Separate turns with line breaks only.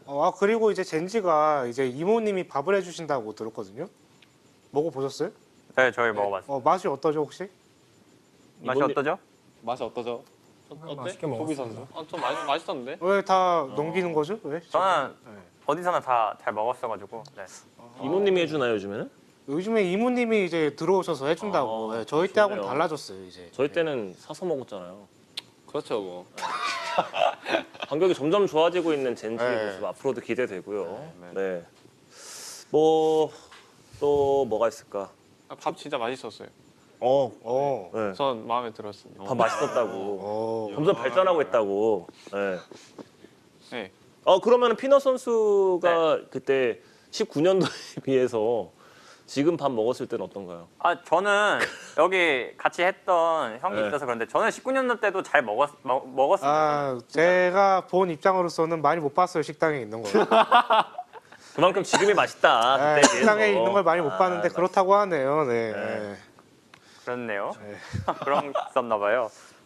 그리고 이제 젠지가 이제 이모님이 밥을 해주신다고 들었거든요. 먹어보셨어요?
네, 저희 먹어봤어요.
맛이 어떠죠 혹시?
맛이 어떠죠?
맛이 어떠죠?
맛있게
소비
먹었습니다.
선수? 좀 맛있었는데?
왜 다 넘기는 거죠? 왜?
저는
네.
어디서나 다 잘 먹었어가지고. 네.
이모님이 해주나요 요즘에는?
요즘에 이모님이 이제 들어오셔서 해준다고. 네, 저희 때하고는
좋네요.
달라졌어요 이제.
저희 때는 사서 먹었잖아요.
그렇죠 뭐.
간격이 점점 좋아지고 있는 젠지의
네.
모습 앞으로도 기대되고요.
네.
네. 뭐 또 뭐가 있을까?
밥 진짜 맛있었어요.
네.
전 마음에 들었습니다.
밥 맛있었다고. 점점 발전하고 있다고. 네.
네.
그러면 피너 선수가 그때 19년도에 비해서 지금 밥 먹었을 때는 어떤가요?
저는 여기 같이 했던 형이
네.
있어서 그런데 저는 19년도 때도 잘 먹었습니다.
제가 본 입장으로서는 많이 못 봤어요 식당에 있는 걸.
그만큼 지금이 맛있다.
네,
그때에
식당에
비해서.
있는 걸 많이 못 봤는데 그렇다고 하네요. 네.
네.
그렇네요. 그런 게 있었나 봐요.